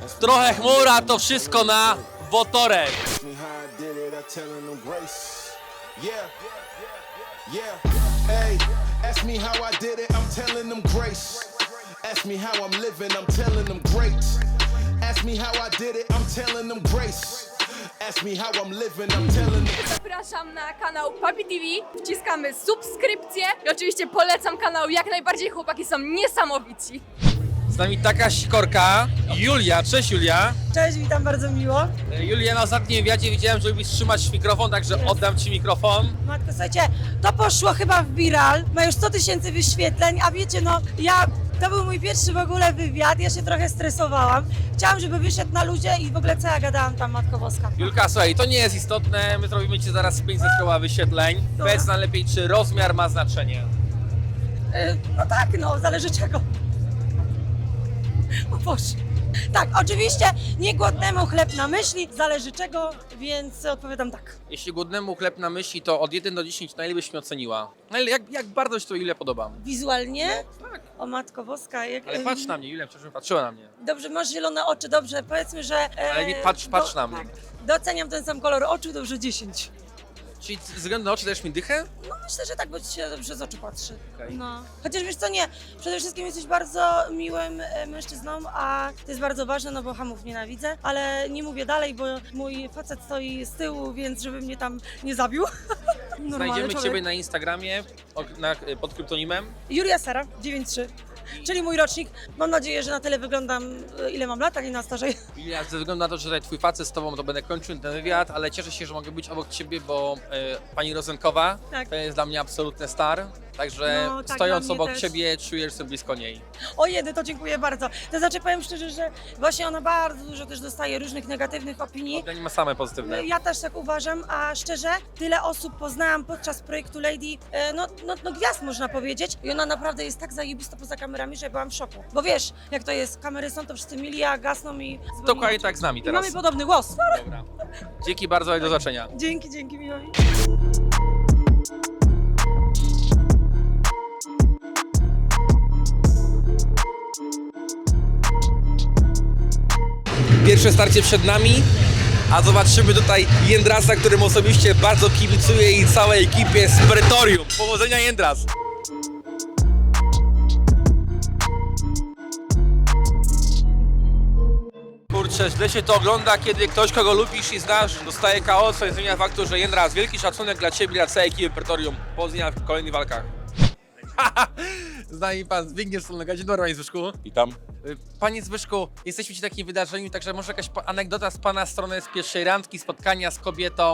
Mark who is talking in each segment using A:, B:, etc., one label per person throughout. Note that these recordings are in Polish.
A: Trochę chmura, to wszystko na Wotorek.
B: Ask me how I did it, I'm telling them grace. Ask me how I'm living, I'm telling them great. Ask me how I did it, I'm telling them grace. Ask me how I'm living, I'm telling them.
C: Zapraszam na kanał Papi TV, wciskamy subskrypcję i oczywiście polecam kanał jak najbardziej, chłopaki są niesamowici.
A: Z nami taka sikorka, Julia. Cześć Julia.
D: Cześć, witam bardzo miło.
A: Julia, na ostatnim wywiadzie widziałem, że lubisz trzymać mikrofon, także oddam ci mikrofon.
D: Matko, słuchajcie, to poszło chyba w viral, ma już 100 000 wyświetleń, a wiecie, no to był mój pierwszy w ogóle wywiad, ja się trochę stresowałam. Chciałam, żeby wyszedł na ludzie i w ogóle co ja gadałam tam, Matko Boska.
A: Julka, słuchaj, to nie jest istotne, my zrobimy ci zaraz 500 koła wyświetleń. Powiedz najlepiej, czy rozmiar ma znaczenie?
D: No tak, no, zależy czego. O Boże. Tak, oczywiście nie głodnemu chleb na myśli, zależy czego, więc odpowiadam tak.
A: Jeśli głodnemu chleb na myśli, to od 1 do 10 na ile byś mnie oceniła? Jak bardzo ci to ile podoba?
D: Wizualnie?
A: Tak.
D: O Matko Boska, jak...
A: Ale patrz na mnie, Julia, przecież patrzyła na mnie.
D: Dobrze, masz zielone oczy, dobrze, powiedzmy, że...
A: Ale nie patrz na mnie.
D: Tak, doceniam ten sam kolor oczu, dobrze 10.
A: Czyli ze względu na oczy dajesz mi dychę?
D: No myślę, że tak, bo ci się dobrze z oczu patrzy.
A: Okej.
D: No. Chociaż wiesz co, nie, przede wszystkim jesteś bardzo miłym mężczyzną, a to jest bardzo ważne, no bo hamów nienawidzę, ale nie mówię dalej, bo mój facet stoi z tyłu, więc żeby mnie tam nie zabił. Normalny
A: Znajdziemy
D: człowiek.
A: ciebie na Instagramie pod kryptonimem.
D: Julia Sara, 93, czyli mój rocznik. Mam nadzieję, że na tyle wyglądam, ile mam lat, a nie na starzej.
A: Julia, ze względu na to, że tutaj twój facet z tobą, to będę kończył ten wywiad, ale cieszę się, że mogę być obok ciebie, bo pani Rozenkowa
D: Tak.
A: to jest dla mnie absolutny star. Także
D: No, tak,
A: stojąc
D: dla mnie
A: obok
D: też.
A: ciebie, czujesz się blisko niej.
D: O jedy, to dziękuję bardzo. To znaczy powiem szczerze, że właśnie ona bardzo dużo też dostaje różnych negatywnych opinii.
A: Ja nie ma same pozytywne.
D: Ja też tak uważam, a szczerze, tyle osób poznałam podczas projektu Lady, no gwiazd można powiedzieć i ona naprawdę jest tak zajebista poza kamerami, że byłam w szoku. Bo wiesz, jak to jest, kamery są, to wszyscy mili, a gasną i...
A: Dokładnie tak z nami
D: I
A: teraz.
D: mamy podobny głos.
A: Dobra. Dzięki bardzo i do zobaczenia.
D: Dzięki, miło mi.
A: Pierwsze starcie przed nami, a zobaczymy tutaj Jędrasa, którym osobiście bardzo kibicuję i całej ekipie z Pretorium. Powodzenia, Jędras! Kurczę, źle się to ogląda, kiedy ktoś, kogo lubisz i znasz, dostaje KO, co nie zmienia faktu, że Jędras, wielki szacunek dla ciebie i dla całej ekipy Pretorium. Powodzenia w kolejnych walkach. Z nami pan Zbigniew Solnoga. Dzień dobry, panie Zbyszku.
E: Witam.
A: Panie Zbyszku, jesteśmy przy takim wydarzeniu, także może jakaś anegdota z pana strony z pierwszej randki, spotkania z kobietą.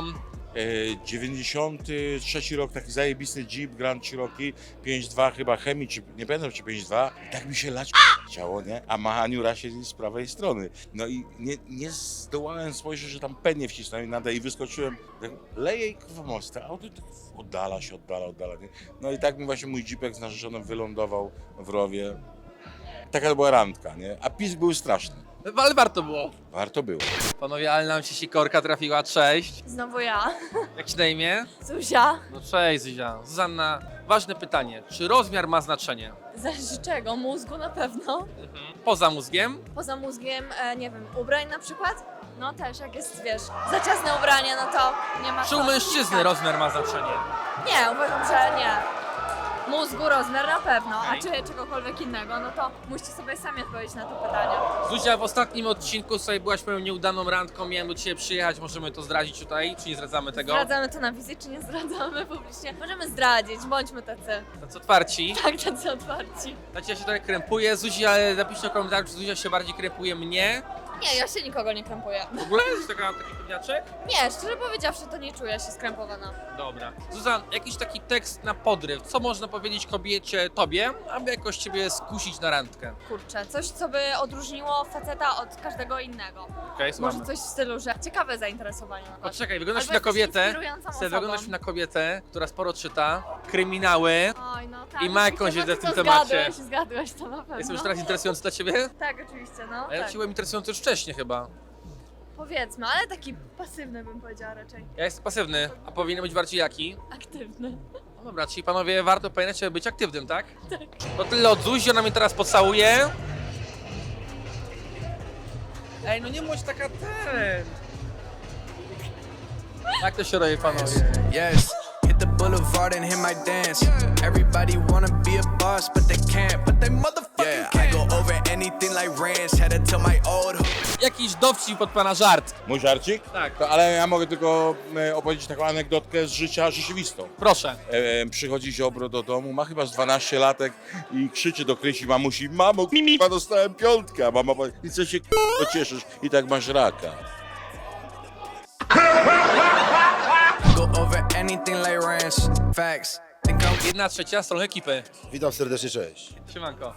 E: 93 rok, taki zajebisty Jeep Grand Cherokee 5.2 chyba Chemii, czy nie pamiętam czy 5.2. I tak mi się lać chciało, nie? A Mahaniura siedzi z prawej strony. No i nie zdołałem spojrzeć, że tam pennie wcisnąłem nadę i wyskoczyłem. Tak, leję i kurwa most, a auto tak oddala się, oddala, nie? No i tak mi właśnie mój Jeepek z narzeczoną wylądował w rowie. Taka to była randka, nie? A pisk był straszny.
A: Ale warto było.
E: Warto było.
A: Panowie, ale nam się sikorka trafiła, cześć.
C: Znowu ja,
A: Jak ci na imię?
C: Zuzia.
A: No cześć Zuzia. Zuzanna, ważne pytanie, czy rozmiar ma znaczenie?
C: Zależy czego? Mózgu na pewno.
A: Poza mózgiem?
C: Poza mózgiem, nie wiem, ubrań na przykład? No też, jak jest, wiesz, za ciasne ubranie, no to nie ma
A: Czy u
C: co
A: mężczyzny
C: wciskać.
A: rozmiar ma znaczenie?
C: Nie, uważam, że nie. Mózgu, rozmiar na pewno, a
A: Okej.
C: czy czegokolwiek innego, no to musicie sobie sami odpowiedzieć na to pytanie.
A: Zuzia, w ostatnim odcinku sobie byłaś moją nieudaną randką, miałem do ciebie przyjechać, możemy to zdradzić tutaj, czy nie zdradzamy tego?
C: Zdradzamy to na wizji, czy nie zdradzamy publicznie? Możemy zdradzić, bądźmy tacy.
A: Tacy otwarci.
C: Tak, tacy otwarci.
A: Znaczy ja się trochę krępuję, Zuzia, ale napiszcie w komentarzu, czy Zuzia się bardziej krępuje mnie.
C: Nie, ja się nikogo nie krępuję.
A: W ogóle jest taki pewniaczek?
C: Nie, szczerze powiedziawszy, to nie czuję się skrępowana.
A: Dobra. Zuzan, jakiś taki tekst na podryw, co można powiedzieć kobiecie, tobie, aby jakoś ciebie skusić na randkę?
C: Kurczę, coś, co by odróżniło faceta od każdego innego.
A: Okej,
C: Może coś w stylu, że ciekawe zainteresowanie. na
A: O,
C: przykład.
A: czekaj, wyglądasz
C: Albo
A: na
C: jesteś
A: kobietę,
C: inspirującą osobą.
A: wyglądasz na kobietę, która sporo czyta, kryminały.
C: Oj, no tak.
A: I ma jakąś
C: oczywiście,
A: wiedzę w
C: bo
A: tym
C: ty to
A: temacie.
C: Zgadłeś to na pewno.
A: Jest już teraz interesujący dla ciebie?
C: Tak, oczywiście, no.
A: A ja
C: Tak.
A: ci byłem interesujący już wcześniej chyba.
C: Powiedzmy, ale taki pasywny bym powiedziała raczej.
A: Ja jestem pasywny, a powinien być bardziej jaki?
C: Aktywny.
A: No dobra, czyli panowie, warto pamiętać, żeby być aktywnym, tak? Tak. To tyle od Zuzi, ona mnie teraz pocałuje. Ej, no nie bądź taka ten. Jak to się robi, panowie?
F: Yes, hit the boulevard and hit my dance. Everybody wanna be a boss, but they can't. But they motherfucking can't. I go over anything like ranch. Had to tell my old.
A: Jakiś dowcip pod pana żart.
E: Mój żarcik?
A: Tak.
E: To, ale ja mogę tylko opowiedzieć taką anegdotkę z życia rzeczywistą.
A: Proszę.
E: Przychodzi Ziobro do domu, ma chyba z 12 latek i krzyczy do Krysi mamusi: mamo, k***a, dostałem piątkę, a mama powie: i co się k***a cieszysz, i tak masz raka.
F: Go over anything like ranch. Facts. Think I'm
A: 1/3 strony ekipy.
G: Witam serdecznie, cześć.
A: Siemanko.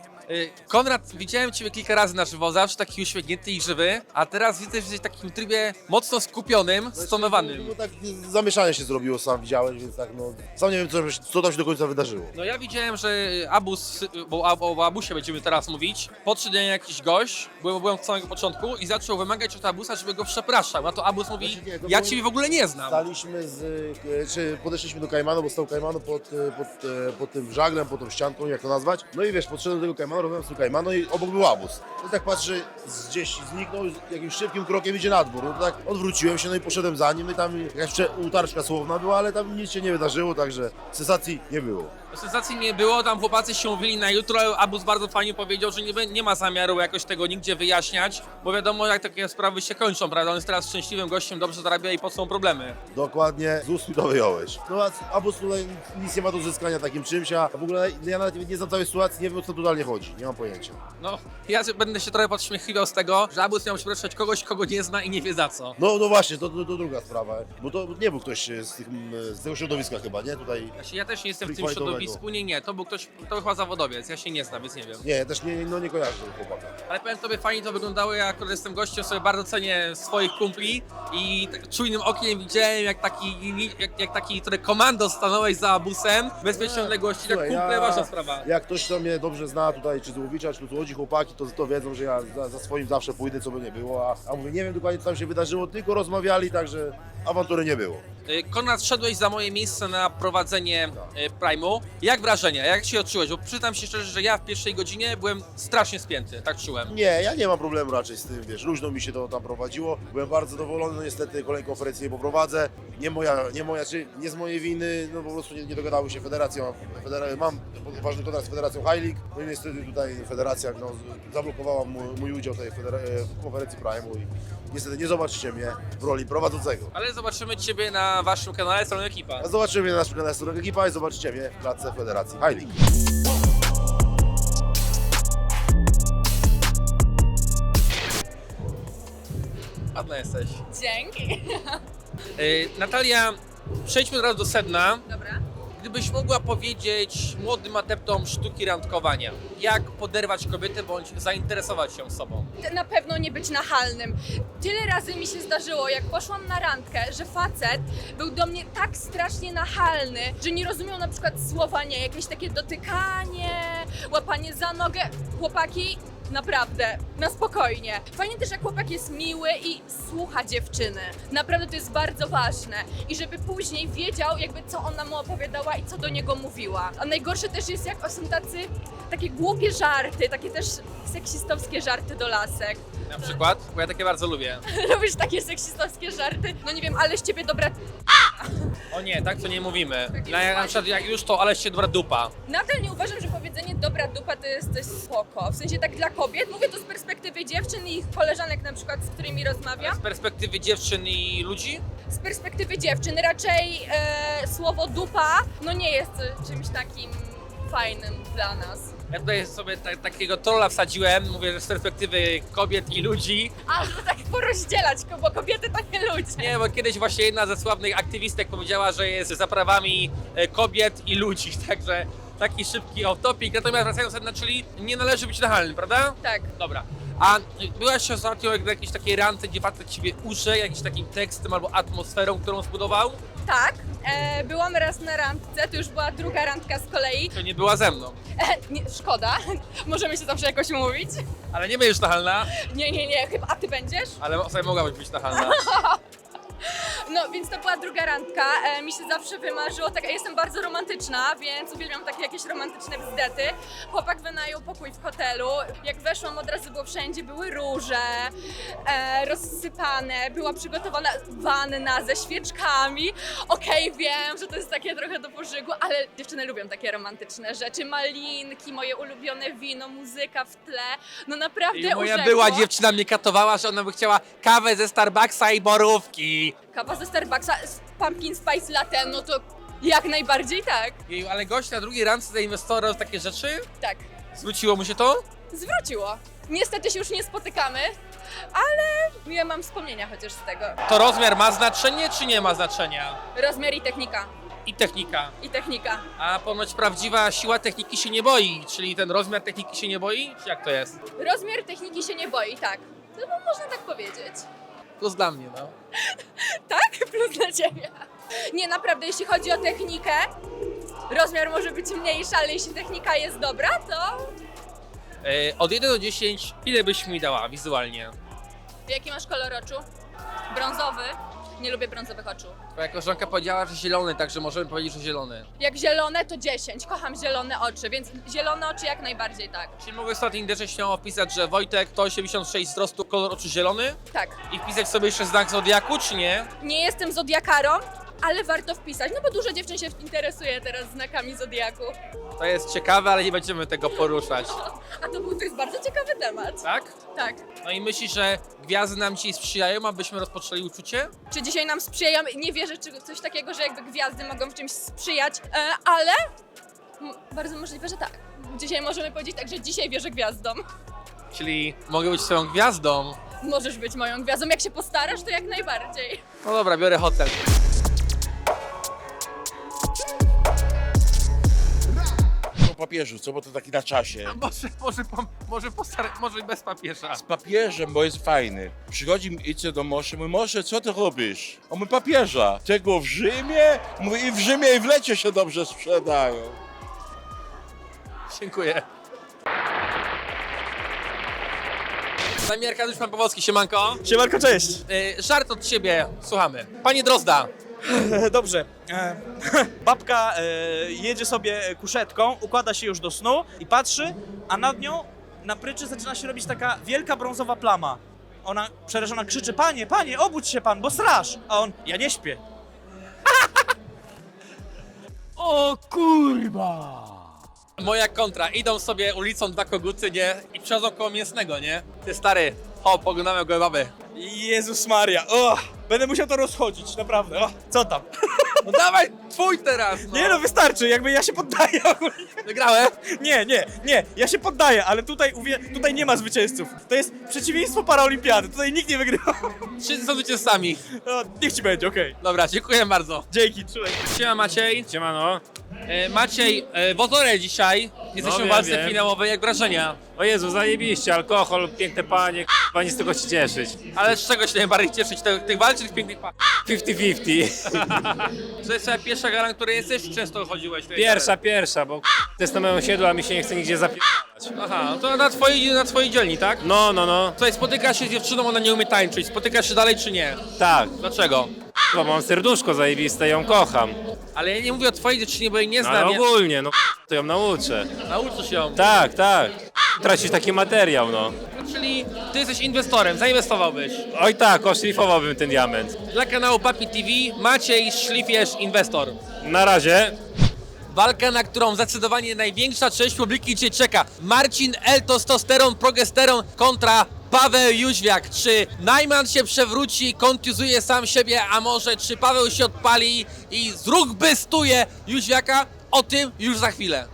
A: Konrad, widziałem Ciebie kilka razy na żywo, zawsze taki uśmiechnięty i żywy, a teraz widzę, że jesteś w takim trybie mocno skupionym, stonowanym.
G: No tak zamieszanie się zrobiło, sam widziałeś, więc tak no... Sam nie wiem, co tam się do końca wydarzyło.
A: No ja widziałem, że Abus, bo o Abusie będziemy teraz mówić, podszedł do niej jakiś gość, byłem od samego początku i zaczął wymagać od Abusa, żeby go przepraszał. Na to Abus mówi:
G: Znaczy nie, to
A: ja
G: było-
A: Ciebie w ogóle nie znam.
G: Staliśmy czy podeszliśmy do Kajmanu, bo stał Kajmanu pod tym żaglem, pod tą ścianką, jak to nazwać. No i wiesz, podszedłem do tego Kajmanu, rozmawiam z tym Kajmanu i obok był Abus. No i tak patrzę, gdzieś zniknął, jakimś szybkim krokiem idzie na dwór. No to tak odwróciłem się, no i poszedłem za nim i tam jakaś utarczka słowna była, ale tam nic się nie wydarzyło, także sensacji nie było.
A: Sensacji nie było, tam chłopacy się mówili na jutro, ale Abus bardzo fajnie powiedział, że nie ma zamiaru jakoś tego nigdzie wyjaśniać, bo wiadomo jak takie sprawy się kończą, prawda? On jest teraz szczęśliwym gościem, dobrze zarabia i po co są problemy.
G: Dokładnie, z ust mi to wyjąłeś. No a Abus tutaj nic nie ma do uzyskania takim czymś, a w ogóle ja nawet nie znam całej sytuacji, nie wiem o co totalnie chodzi, nie mam pojęcia.
A: No, ja będę się trochę podśmiechiwał z tego, że Abus miał przepraszać kogoś, kogo nie zna i nie wie za co.
G: No właśnie, to druga sprawa, bo to nie był ktoś z tego środowiska chyba, nie? Tutaj,
A: Ja też nie jestem w tym
G: Freakfightowego.
A: środowisku, nie, to był ktoś, to chyba zawodowiec, ja się nie znam, więc nie wiem.
G: nie, ja też nie kojarzę tego chłopaka.
A: Ale powiem Tobie, fajnie to wyglądało, ja akurat jestem gościem, sobie bardzo cenię swoich kumpli i tak czujnym okiem widziałem jak taki, który komando stanąłeś za Abusem, bezpiecznej odległości, tak
G: Słuchaj,
A: kumple, ważna sprawa.
G: Jak ktoś, kto mnie dobrze zna tutaj, czy z Łowicza, czy tu Łodzi chłopaki, to wiedzą, że ja za swoim zawsze pójdę, co by nie było, a mówię, nie wiem dokładnie co tam się wydarzyło, tylko rozmawiali, także awantury nie było.
A: Konrad, szedłeś za moje miejsce na prowadzenie Prime'u. Jak wrażenia? Jak się odczułeś? Bo przyznam się szczerze, że ja w pierwszej godzinie byłem strasznie spięty, tak czułem.
G: Nie, ja nie mam problemu raczej z tym, wiesz, luźno mi się to tam prowadziło. Byłem bardzo zadowolony, no niestety kolejną konferencję nie poprowadzę. Nie z mojej winy, no po prostu nie dogadały się federacją. Mam ważny kontrakt z Federacją High League, no i niestety tutaj federacja no, zablokowała mój udział tej w konferencji Prime'u i niestety nie zobaczycie mnie w roli prowadzącego.
A: Ale zobaczymy Ciebie na Waszym kanale Strony Ekipa.
G: A zobaczycie mnie na naszym kanale Strona Ekipa i zobaczycie mnie w klatce Federacji High League.
A: Ładna jesteś.
C: Dzięki.
A: Natalia, przejdźmy od razu do sedna.
C: Dobra.
A: Gdybyś mogła powiedzieć młodym adeptom sztuki randkowania, jak poderwać kobietę bądź zainteresować się sobą?
C: Na pewno nie być nachalnym. Tyle razy mi się zdarzyło, jak poszłam na randkę, że facet był do mnie tak strasznie nachalny, że nie rozumiał na przykład słowa nie, jakieś takie dotykanie, łapanie za nogę. Chłopaki, naprawdę, na spokojnie. Fajnie też, jak chłopak jest miły i słucha dziewczyny. Naprawdę to jest bardzo ważne. I żeby później wiedział, jakby co ona mu opowiadała i co do niego mówiła. A najgorsze też jest, jak są takie głupie żarty, takie też seksistowskie żarty do lasek.
A: Na przykład? Bo ja takie bardzo lubię.
C: Lubisz takie seksistowskie żarty? No nie wiem, ale z ciebie dobra...
A: O nie, tak to nie mówimy. Na przykład jak już to, ale się dobra dupa.
C: Nadal nie uważam, że powiedzenie dobra dupa to jest coś spoko. W sensie tak dla kobiet. Mówię to z perspektywy dziewczyn i ich koleżanek na przykład, z którymi rozmawiam.
A: Z perspektywy dziewczyn i ludzi?
C: Z perspektywy dziewczyn raczej słowo dupa no nie jest czymś takim fajnym dla nas.
A: Ja tutaj sobie takiego trolla wsadziłem, mówię, że z perspektywy kobiet i ludzi.
C: A, to tak porozdzielać, bo kobiety to nie ludzie.
A: Nie, bo kiedyś właśnie jedna ze sławnych aktywistek powiedziała, że jest za prawami kobiet i ludzi, także taki szybki off-topic. Natomiast wracając sedna, czyli nie należy być nachalnym, prawda?
C: Tak.
A: Dobra. A byłaś ostatnio na jakiejś takiej randce, gdzie facet ciebie uże jakimś takim tekstem albo atmosferą, którą zbudował?
C: Tak, byłam raz na randce, to już była druga randka z kolei.
A: To nie była ze mną.
C: Nie, szkoda, możemy się zawsze jakoś umówić.
A: Ale nie będziesz nachalna,
C: Nie, chyba, a ty będziesz?
A: ale sobie mogłabyś być nachalna.
C: No, więc to była druga randka. Mi się zawsze wymarzyło, tak, ja jestem bardzo romantyczna, więc uwielbiam takie jakieś romantyczne bzdety. Chłopak wynajął pokój w hotelu. Jak weszłam, od razu było wszędzie, były róże rozsypane, była przygotowana wanna ze świeczkami. Okej, wiem, że to jest takie trochę do pożygu, ale dziewczyny lubią takie romantyczne rzeczy. Malinki, moje ulubione wino, muzyka w tle. No naprawdę
A: I moja
C: urzekło.
A: była dziewczyna mnie katowała, że ona by chciała kawę ze Starbucksa i borówki.
C: Kawa ze Starbucksa z pumpkin spice latte, no to jak najbardziej tak.
A: Jeju, ale gość na drugiej randce za inwestora robił takie rzeczy?
C: Tak,
A: Zwróciło mu się to?
C: zwróciło. Niestety się już nie spotykamy, ale ja mam wspomnienia chociaż z tego.
A: To rozmiar ma znaczenie, czy nie ma znaczenia?
C: Rozmiar i technika.
A: I technika.
C: I technika.
A: A ponoć prawdziwa siła techniki się nie boi, czyli ten rozmiar techniki się nie boi? Czy jak to jest?
C: Rozmiar techniki się nie boi, tak. No bo można tak powiedzieć.
A: Plus dla mnie, no.
C: Tak? Plus dla ciebie. Nie, naprawdę, jeśli chodzi o technikę, rozmiar może być mniejszy, ale jeśli technika jest dobra, to...
A: Od 1 do 10, ile byś mi dała wizualnie?
C: Jaki masz kolor oczu? Brązowy. Nie lubię brązowych oczu.
A: Twoja koleżanka powiedziała, że zielony, także możemy powiedzieć, że zielony.
C: Jak zielone, to 10. Kocham zielone oczy, więc zielone oczy jak najbardziej tak.
A: Czyli mogę sobie na Tinderze śmiało wpisać, że Wojtek to 86 wzrostu, kolor oczu zielony
C: Tak.
A: i wpisać sobie jeszcze znak zodiaku, czy nie?
C: Nie jestem zodiakarą, ale warto wpisać, no bo dużo dziewczyn się interesuje teraz znakami zodiaku.
A: To jest ciekawe, ale nie będziemy tego poruszać.
C: A to jest bardzo ciekawy temat.
A: Tak?
C: Tak.
A: No i myślisz, że gwiazdy nam dzisiaj sprzyjają, abyśmy rozpoczęli uczucie?
C: Czy dzisiaj nam sprzyjają? Nie wierzę, czy coś takiego, że jakby gwiazdy mogą w czymś sprzyjać, ale bardzo możliwe, że tak. Dzisiaj możemy powiedzieć tak, że dzisiaj wierzę gwiazdom.
A: Czyli mogę być swoją gwiazdą.
C: Możesz być moją gwiazdą, jak się postarasz, to jak najbardziej.
A: No dobra, biorę hotel.
E: O papieżu, co? Bo to taki na czasie.
A: Może bez papieża.
E: Z papieżem, bo jest fajny. Przychodzi Ice do Mosze, mówi, Mosze, co ty robisz? On mówi, papieża. Tego w Rzymie? Mówi, i w Rzymie, i w Lecie się dobrze sprzedają.
A: Dziękuję. Z nami Arkadiusz Pan Powolski, siemanko.
H: Siemanko, cześć!
A: Żart od ciebie, słuchamy. Panie Drozda,
H: Dobrze. Babka jedzie sobie kuszetką, układa się już do snu i patrzy, a nad nią na pryczy zaczyna się robić taka wielka brązowa plama. Ona przerażona krzyczy, panie, panie, obudź się pan, bo straż! A on, ja nie śpię.
A: o kurwa! Moja kontra, idą sobie ulicą dwa koguty, nie? I przechodzą koło mięsnego, nie? Ty stary, poglądamy go baby.
H: Jezus Maria, będę musiał to rozchodzić, naprawdę, co tam?
A: No dawaj, twój teraz, no.
H: Nie no, wystarczy, jakby ja się poddaję.
A: Wygrałem?
H: Nie, ja się poddaję, ale tutaj nie ma zwycięzców. To jest przeciwieństwo paraolimpiady, tutaj nikt nie wygrywa.
A: Wszyscy są zwycięzcami.
H: No, niech ci będzie, okej.
A: Dobra, dziękuję bardzo.
H: Dzięki, trzymaj.
A: Siema Maciej.
I: Siemano.
A: Maciej, wozorę dzisiaj. Jesteśmy
I: No,
A: w walce
I: wiem.
A: finałowej, jak wrażenia?
I: O Jezu, zajebiście, alkohol, piękne panie, k***a, nie z tego się cieszyć.
A: Ale z czego się najbardziej cieszyć? Tych walk czy tych pięknych par?
I: 50-50.
A: To jest twoja pierwsza gala, na której jesteś, czy często chodziłeś?
I: Pierwsza, bo to jest na moim osiedlu, a mi się nie chce nigdzie zapierdalać.
A: Aha, no to na twojej dzielni, tak?
I: No.
A: Tutaj spotykasz się z dziewczyną, ona nie umie tańczyć. Spotykasz się dalej, czy nie?
I: Tak,
A: Dlaczego?
I: bo mam serduszko zajebiste, ją kocham.
A: Ale ja nie mówię o twojej dziewczynie, bo jej nie
I: No,
A: znam.
I: ale ogólnie, to ją nauczę.
A: Nauczysz ją.
I: Tak. Tracisz taki materiał, no.
A: Czyli ty jesteś inwestorem, zainwestowałbyś.
I: Oj tak, oszlifowałbym ten diament.
A: Dla kanału Papi TV Maciej Szlifierz, inwestor.
I: Na razie.
A: Walka, na którą zdecydowanie największa część publiki cię czeka. Marcin L. Testosteron, progesteron kontra Paweł Jóźwiak. Czy Najman się przewróci, kontuzuje sam siebie, a może czy Paweł się odpali i zrugbystuje Jóźwiaka? O tym już za chwilę.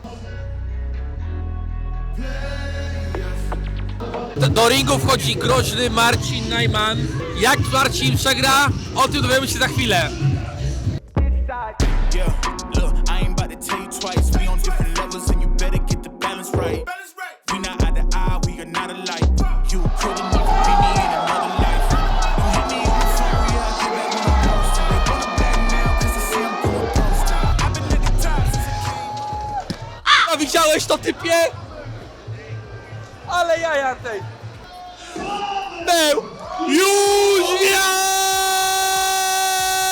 A: Do ringu wchodzi groźny Marcin Najman. Jak Marcin przegra? O tym dowiemy się za chwilę.
J: Yeah, look, I ain't about to tell you twice. We on different levels and you better get the balance right. We not eye to eye, we are not alike. You couldn't even be me in another life. You hit me on the phone, yeah, I get back when I'm posted. They wanna back now, cause they say I'm going posted. I've been at the top since I came.
A: A widziałeś to, typie? Ale jaja tej. Był Jóźwiak!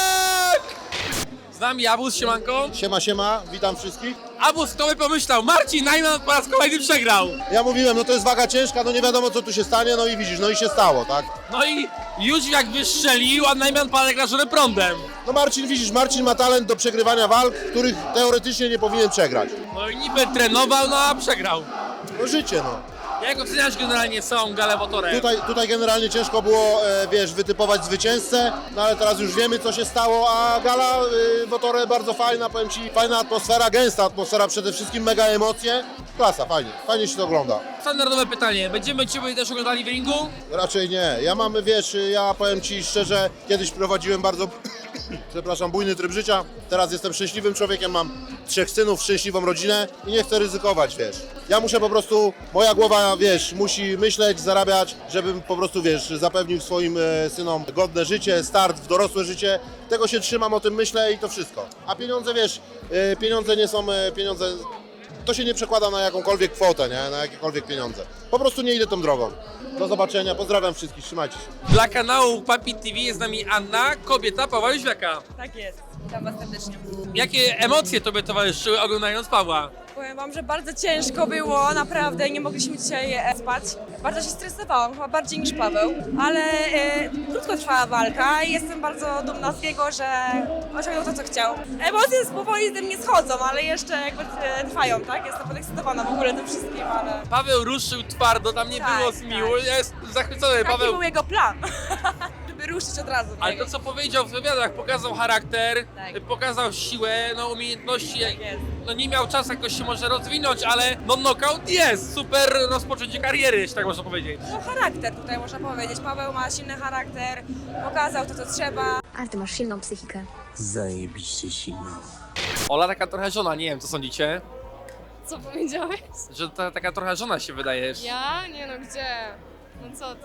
A: Z nami Abus, siemanko.
G: Siema, witam wszystkich.
A: Abus, kto by pomyślał? Marcin Najman po raz kolejny przegrał.
G: Ja mówiłem, no to jest waga ciężka, no nie wiadomo co tu się stanie, no i widzisz, no i się stało, tak?
A: No i Jóźwiak wystrzelił, a Najman pada jak rażony prądem.
G: No Marcin, widzisz, Marcin ma talent do przegrywania walk, których teoretycznie nie powinien przegrać.
A: No i niby trenował, no a przegrał.
G: No życie, no.
A: Jak oceniasz generalnie całą galę Wotorem?
G: Tutaj generalnie ciężko było, wiesz, wytypować zwycięzcę, no ale teraz już wiemy co się stało, a gala Wotore bardzo fajna, powiem Ci, fajna atmosfera, gęsta atmosfera, przede wszystkim mega emocje. Klasa, fajnie się to ogląda.
A: Standardowe pytanie, będziemy Ciebie też oglądali w ringu?
G: Raczej nie, ja mam, wiesz, ja powiem Ci szczerze, kiedyś prowadziłem bardzo, przepraszam, bujny tryb życia, teraz jestem szczęśliwym człowiekiem, mam 3 synów, szczęśliwą rodzinę i nie chcę ryzykować, wiesz. Ja muszę po prostu, moja głowa, wiesz, musi myśleć, zarabiać, żebym po prostu, wiesz, zapewnił swoim synom godne życie, start w dorosłe życie. Tego się trzymam, o tym myślę i to wszystko. A pieniądze, wiesz, pieniądze nie są pieniądze, to się nie przekłada na jakąkolwiek kwotę, nie? Na jakiekolwiek pieniądze. Po prostu nie idę tą drogą. Do zobaczenia, pozdrawiam wszystkich, trzymajcie się.
A: Dla kanału Papi TV jest z nami Anna, kobieta Pawła Jóźwiaka.
K: Tak jest, witam was serdecznie.
A: Jakie emocje Tobie towarzyszyły oglądając Pawła?
K: Powiem wam, że bardzo ciężko było, naprawdę, nie mogliśmy dzisiaj spać. Bardzo się stresowałam, chyba bardziej niż Paweł, ale krótko trwała walka i jestem bardzo dumna z niego, że osiągnął to, co chciał. Emocje powoli ze mnie schodzą, ale jeszcze jakby trwają, tak? Jestem podekscytowana w ogóle tym wszystkim, ale...
A: Paweł ruszył twardo, tam nie
K: Tak,
A: było zmiłu, ja jestem zachwycony.
K: Taki
A: Paweł,
K: był jego plan, żeby ruszyć od razu.
A: ale to co powiedział w wywiadach, pokazał charakter,
K: Tak.
A: pokazał siłę, no umiejętności,
K: Tak jest.
A: no nie miał czasu jakoś się może rozwinąć, ale no knockout jest, super rozpoczęcie kariery, jeśli tak można powiedzieć.
K: No charakter tutaj można powiedzieć. Paweł ma silny charakter, pokazał to, co trzeba.
L: Ale ty masz silną psychikę.
J: Zajebiście silną.
A: Ola taka trochę żona, nie wiem co sądzicie,
C: Co powiedziałeś?
A: że taka trochę żona się wydajesz.
C: Ja? Nie no, gdzie? No co ty?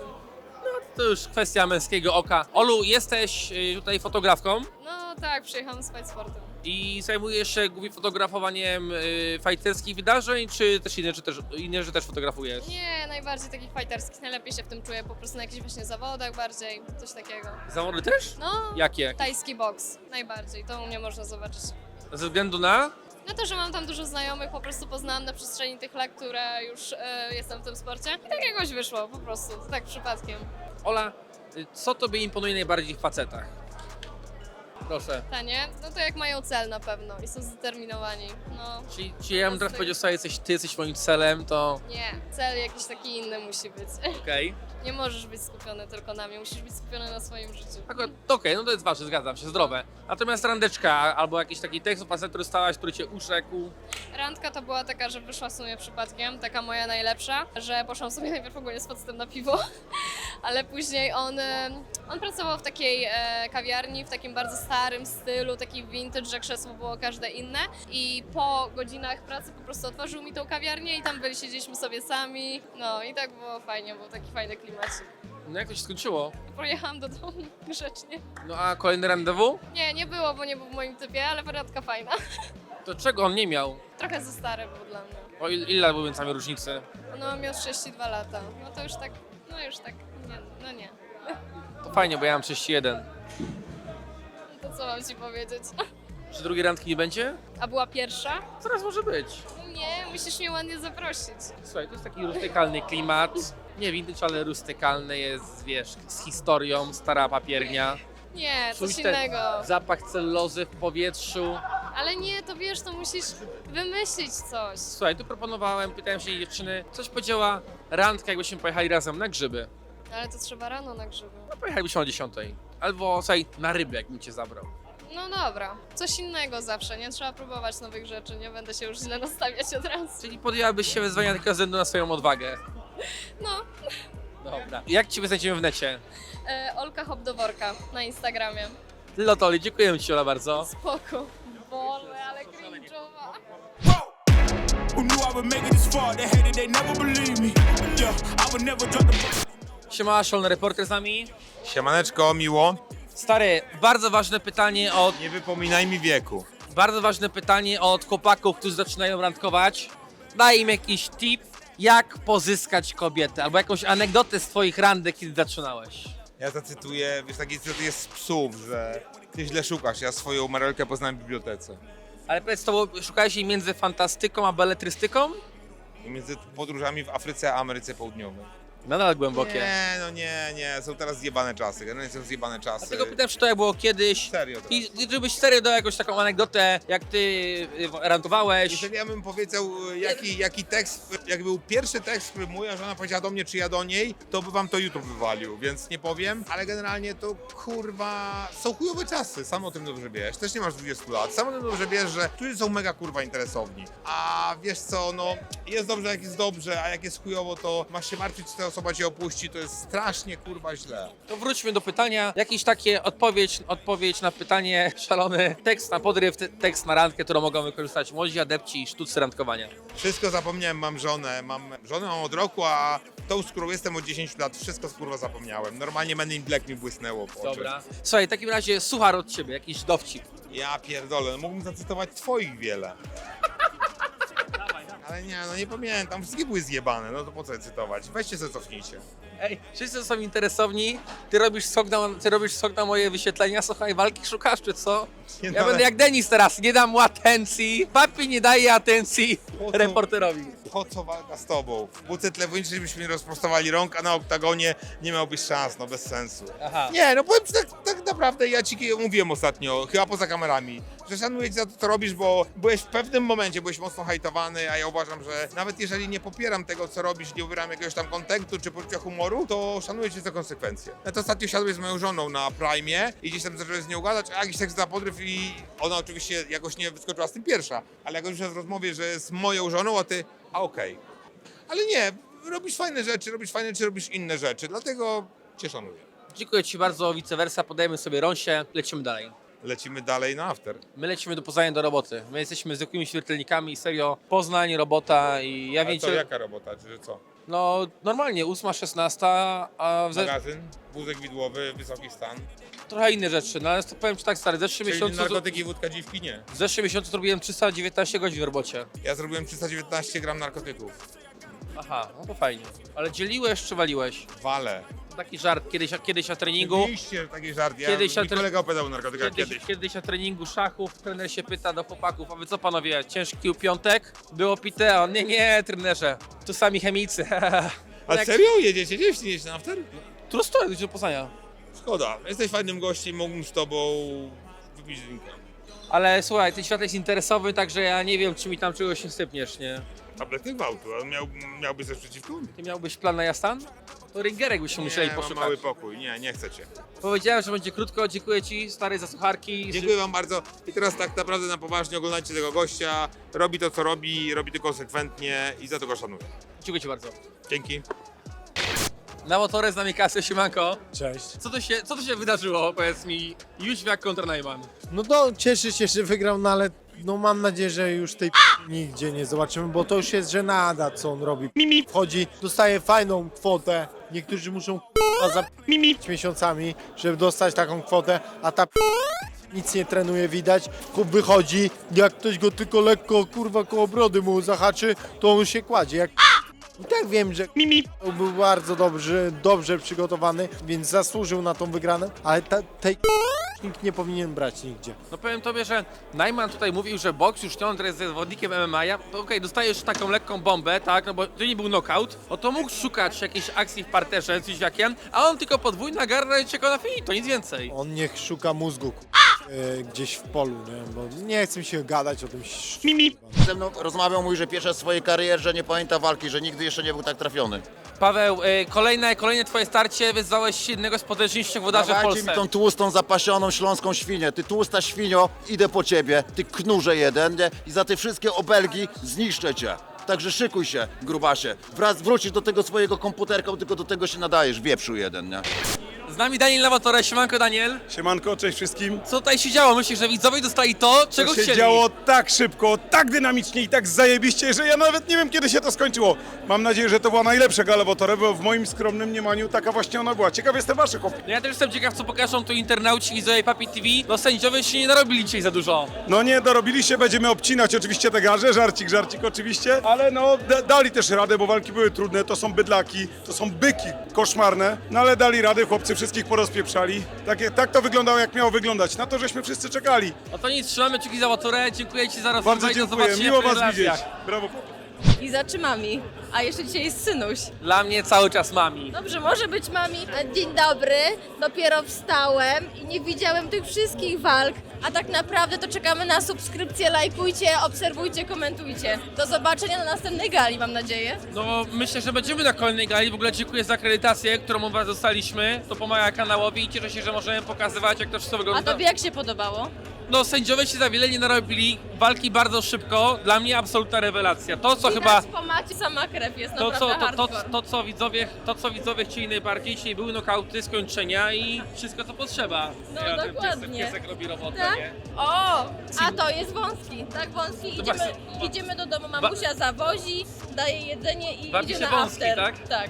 A: To już kwestia męskiego oka. Olu, jesteś tutaj fotografką
C: No tak, przyjechałam z Fight Sportem.
A: i zajmujesz się głównie fotografowaniem fajterskich wydarzeń, czy też inne, że też fotografujesz?
C: Nie, najbardziej takich fighterskich, najlepiej się w tym czuję, po prostu na jakichś właśnie zawodach bardziej, coś takiego.
A: Zawody też?
C: No,
A: Jakie?
C: tajski boks, najbardziej, to u mnie można zobaczyć.
A: Ze względu na?
C: No to, że mam tam dużo znajomych, po prostu poznałam na przestrzeni tych lat, które już jestem w tym sporcie i tak jakoś wyszło, po prostu, tak przypadkiem.
A: Ola, co tobie imponuje najbardziej w facetach? Proszę.
C: Tanie? No to jak mają cel na pewno i są zdeterminowani, no.
A: Czyli ja bym teraz powiedział sobie, ty jesteś moim celem, to
C: Nie, cel jakiś taki inny musi być.
A: okej.
C: Nie możesz być skupiony tylko na mnie, musisz być skupiony na swoim życiu.
A: Akurat, okej, no to jest ważne, zgadzam się, zdrowe. Natomiast randeczka albo jakiś taki tekst o facet, który stałaś, który cię uszekł.
C: Randka to była taka, że wyszła w sumie przypadkiem, taka moja najlepsza, że poszłam sobie najpierw ogólnie z facetem na piwo, ale później on pracował w takiej kawiarni, w takim bardzo starym stylu, taki vintage, że krzesło było każde inne i po godzinach pracy po prostu otworzył mi tą kawiarnię i tam siedzieliśmy sobie sami, no i tak było fajnie, był taki fajny klimacik.
A: No jak to się skończyło?
C: Pojechałam do domu grzecznie.
A: No a kolejny randewu?
C: Nie było, bo nie był w moim typie, ale randka fajna.
A: To czego on nie miał?
C: Trochę za stary był dla mnie.
A: O ile lat były między nami różnicy?
C: No miał 32 lata. No to już tak, nie, no nie.
A: To fajnie, bo ja mam 31.
C: No to co mam ci powiedzieć?
A: Czy drugiej randki nie będzie?
C: A była pierwsza?
A: Zaraz może być.
C: Nie, musisz mnie ładnie zaprosić.
A: Słuchaj, to jest taki rustykalny klimat. Nie vintage, ale rustykalny jest, wiesz, z historią, stara papiernia.
C: Nie, coś
A: Czuć ten
C: innego.
A: zapach celulozy w powietrzu.
C: Ale nie, to wiesz, to musisz wymyślić coś.
A: Słuchaj, tu proponowałem, pytałem się dziewczyny, coś powiedziała randka, jakbyśmy pojechali razem na grzyby.
C: Ale to trzeba rano na grzyby.
A: No pojechalibyśmy o 10. Albo, słuchaj, na rybę, jakbym cię zabrał.
C: No dobra, coś innego zawsze, nie trzeba próbować nowych rzeczy, nie będę się już źle nastawiać od razu.
A: Czyli podjęłabyś się wyzwania tylko ze względu na swoją odwagę.
C: No,
A: Dobra. Jak cię znajdziemy w necie?
C: Olka Hop do worka na Instagramie.
A: Lotoli, dziękuję ci, Ola, bardzo.
C: Spoko. Boże, ale cringe'owa.
J: Who knew I would make it this far? They hated, they never believed me. Yeah, I would never drop the...
A: Siema, Szolny Reporter z nami.
E: Siemaneczko, miło.
A: Stary, bardzo ważne pytanie od...
E: Nie wypominaj mi wieku.
A: Bardzo ważne pytanie od chłopaków, którzy zaczynają randkować. Daj im jakiś tip, jak pozyskać kobietę, albo jakąś anegdotę z twoich randek, kiedy zaczynałeś.
L: Ja zacytuję, wiesz, taki cytat jest z psów, że ty źle szukasz, ja swoją Marelkę poznałem w bibliotece.
A: Ale powiedz, to szukałeś jej między fantastyką a beletrystyką?
L: I między podróżami w Afryce a Ameryce Południowej.
A: Nadal głębokie.
L: Nie, no nie, są teraz zjebane czasy, generalnie są zjebane czasy.
A: Dlatego pytam, czy to jak było kiedyś.
L: Serio teraz.
A: I żebyś serio dał jakąś taką anegdotę, jak ty rantowałeś.
L: Jeżeli ja bym powiedział, jaki tekst, jak był pierwszy tekst, który moja żona powiedziała do mnie, czy ja do niej, to by wam to YouTube wywalił, więc nie powiem, ale generalnie to kurwa, są chujowe czasy, sam o tym dobrze wiesz, też nie masz 20 lat, sam o tym dobrze wiesz, że ludzie są mega kurwa interesowni, a wiesz co, no jest dobrze jak jest dobrze, a jak jest chujowo, to masz się martwić, czy ta osoba cię opuści, to jest strasznie kurwa źle.
A: To wróćmy do pytania. Jakiś takie odpowiedź na pytanie, szalony tekst na podryw, tekst na randkę, którą mogą wykorzystać młodzi adepci sztuczce randkowania.
L: Wszystko zapomniałem, mam żonę mam od roku, a tą, z którą jestem od 10 lat, wszystko kurwa zapomniałem. Normalnie Men in Black mi błysnęło w oczy.
A: Dobra. Słuchaj, w takim razie suchar od ciebie, jakiś dowcip.
L: Ja pierdolę, no mógłbym zacytować twoich wiele. Ale nie, no nie pamiętam, wszystkie były zjebane, no to po co je cytować? Weźcie sobie cofnijcie.
A: Ej, wszyscy są interesowni, ty robisz skok na moje wyświetlenia, słuchaj, walki szukasz, czy co?
L: Nie,
A: Ja
L: no,
A: będę jak Denis teraz, nie dam mu atencji, papi nie daje atencji reporterowi.
L: Po co walka z tobą? W buce tlewniczej byśmy nie rozprostowali rąk, a na oktagonie nie miałbyś szans, no bez sensu.
A: Aha.
L: Nie, no powiem ci tak naprawdę, ja ci mówiłem ostatnio, chyba poza kamerami, że szanuję cię za to, co robisz, bo byłeś w pewnym momencie, byłeś mocno hejtowany, a ja uważam, że nawet jeżeli nie popieram tego, co robisz, nie ubieram jakiegoś tam kontentu czy poczucia humoru, to szanuję cię za konsekwencje. Ja to ostatnio siadłeś z moją żoną na Prime i gdzieś tam zacząłeś z nią gadać, a jakiś tekst za podryw i ona oczywiście jakoś nie wyskoczyła z tym pierwsza, ale jakoś już w rozmowie, że jest moją żoną, a ty, a okej. Ale nie, robisz fajne rzeczy, robisz inne rzeczy, dlatego cię szanuję.
A: Dziękuję ci bardzo, vice versa, podajemy sobie rąsie, lecimy dalej.
L: Lecimy dalej na after.
A: My lecimy do Poznania do roboty. My jesteśmy zwykłymi śmiertelnikami, serio, Poznań, robota i ja
L: A
A: wiem,
L: to jaka robota, czy co?
A: no normalnie 8-16, a
L: Magazyn, wózek widłowy, wysoki stan.
A: trochę inne rzeczy, no ale to powiem ci tak stary, w zeszłym
L: Czyli
A: miesiącu,
L: narkotyki, wódka, dziwki nie.
A: w zeszłym miesiącu zrobiłem 319 godzin w robocie.
L: Ja zrobiłem 319 gram narkotyków.
A: Aha, no to fajnie. Ale dzieliłeś czy waliłeś?
L: Wale.
A: Taki żart, kiedyś na treningu,
L: Oczywiście taki żart,
A: Kiedyś
L: mi
A: na
L: kolega opowiadał o narkotykach
A: kiedyś na treningu szachów trener się pyta do chłopaków, a wy co panowie, ciężki piątek? Było pite, a on nie, trenerze, tu sami chemicy.
L: A
A: Jak-
L: serio? Jedziecie gdzieś? Nie jedziecie na after?
A: True story, do Poznania.
L: Szkoda, jesteś fajnym gościem, mógłbym z tobą wypić drinka.
A: Ale słuchaj, ten świat jest interesowy, także ja nie wiem, czy mi tam czegoś nie sypniesz, nie?
L: Tabletny gwałtu, a miałbyś coś przeciwko?
A: Ty miałbyś plan na Jastan? To ringerek byśmy musieli
L: Nie, mam
A: poszukać.
L: mały pokój, nie chcecie.
A: Powiedziałem, że będzie krótko, dziękuję ci stary za sucharki.
L: Dziękuję wam bardzo i teraz tak naprawdę na poważnie oglądajcie tego gościa, robi to co robi to konsekwentnie i za to go szanuję.
A: Dziękuję ci bardzo.
L: Dzięki.
A: Na motorę z nami Kasio, siemanko.
M: Cześć.
A: Co tu się wydarzyło, powiedz mi, Jóźwiak kontra Najman?
M: No to cieszę się, że wygrał, no ale no mam nadzieję, że już tej nigdzie nie zobaczymy, bo to już jest żenada, co on robi. Wchodzi, dostaje fajną kwotę, niektórzy muszą za miesiącami, żeby dostać taką kwotę, a ta nic nie trenuje, widać. Chłop wychodzi, jak ktoś go tylko lekko, kurwa, koło brody mu zahaczy, to on się kładzie. Jak i tak wiem, że był bardzo dobrze przygotowany, więc zasłużył na tą wygraną, ale tej nikt nie powinien brać nigdzie.
A: No powiem tobie, że Najman tutaj mówił, że boks już nie on jest zawodnikiem MMA, to okej, dostajesz taką lekką bombę, tak, no bo to nie był knockout, no to mógł szukać jakiejś akcji w parterze z Jóźwiakiem, a on tylko podwójna garda i czeka na finito, nic więcej.
M: On niech szuka mózgu gdzieś w polu, nie? Bo nie chcę mi się gadać o tym.
N: Ze mną rozmawiał, mówi, że pierwsza w swojej karierze nie pamięta walki, że nigdy jeszcze nie był tak trafiony.
A: Paweł, kolejne twoje starcie, wyzwałeś jednego z potężniejszych włodarzy w
N: Dawajcie
A: Polsce.
N: mi tą tłustą, zapasioną śląską świnię. Ty tłusta świnio, idę po ciebie, ty knurze jeden, nie? I za te wszystkie obelgi zniszczę cię. Także szykuj się, grubasie. Wrócisz do tego swojego komputerka, bo tylko do tego się nadajesz, wieprzu jeden, nie?
A: Z nami Daniel Lavatore, siemanko Daniel.
O: Siemanko, cześć wszystkim.
A: Co tutaj się działo? Myślisz, że widzowie dostali to, czego
O: To się
A: chcieli?
O: działo tak szybko, tak dynamicznie i tak zajebiście, że ja nawet nie wiem, kiedy się to skończyło. Mam nadzieję, że to była najlepsza gala Wotore, bo w moim skromnym mniemaniu taka właśnie ona była. Ciekaw jestem waszych opinii.
A: No ja też jestem ciekaw, co pokażą tu internauci, widzowie Papi TV. No sędziowie się nie narobili dzisiaj za dużo.
O: No nie dorobili się, będziemy obcinać oczywiście te garze, żarcik oczywiście, ale no dali też radę, bo walki były trudne, to są bydlaki, to są byki koszmarne, no ale dali radę, chłopcy wszystkich porozpieprzali. Tak to wyglądało, jak miało wyglądać. Na to, żeśmy wszyscy czekali.
A: No to nic, trzymamy kciuki za Baturę, dziękuję Ci za rozmowę
O: Bardzo
A: i do
O: dziękuję,
A: zobaczenia
O: miło
A: w
O: was
A: relacjach.
O: widzieć. Brawo.
K: I za czy mami? A jeszcze dzisiaj jest synuś.
A: Dla mnie cały czas mami.
K: Dobrze, może być mami.
C: Dzień dobry, dopiero wstałem i nie widziałem tych wszystkich walk.
K: A tak naprawdę to czekamy na subskrypcję, lajkujcie, obserwujcie, komentujcie. Do zobaczenia na następnej gali, mam nadzieję.
A: No myślę, że będziemy na kolejnej gali. W ogóle dziękuję za akredytację, którą od Was dostaliśmy. To pomaga kanałowi i cieszę się, że możemy pokazywać, jak to wszystko
K: A
A: wygląda.
K: tobie jak się podobało?
A: No sędziowie się za wiele nie narobili, walki bardzo szybko. Dla mnie absolutna rewelacja. To co chyba...
K: Po macie sama krew jest
A: To
K: naprawdę
A: co,
K: hardcore.
A: to, co widzowie chcieli najbardziej, czyli były nokauty, skończenia i wszystko co potrzeba.
K: No,
A: Ja wiem,
K: dokładnie.
A: Piesek robi robotę,
K: Tak?
A: nie?
K: O, a to jest wąski. Tak, wąski. Idziemy do domu, mamusia zawozi, daje jedzenie i
A: Bawi
K: idzie
A: się
K: na
A: wąski,
K: after.
A: tak?
K: Tak.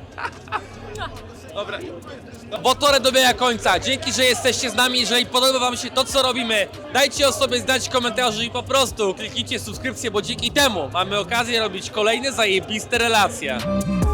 A: Dobra. Botorę dobiega końca. Dzięki, że jesteście z nami. Jeżeli podoba Wam się to, co robimy, dajcie o sobie znać w komentarzu i po prostu kliknijcie subskrypcję, bo dzięki temu mamy okazję robić kolejne zajebiste relacje.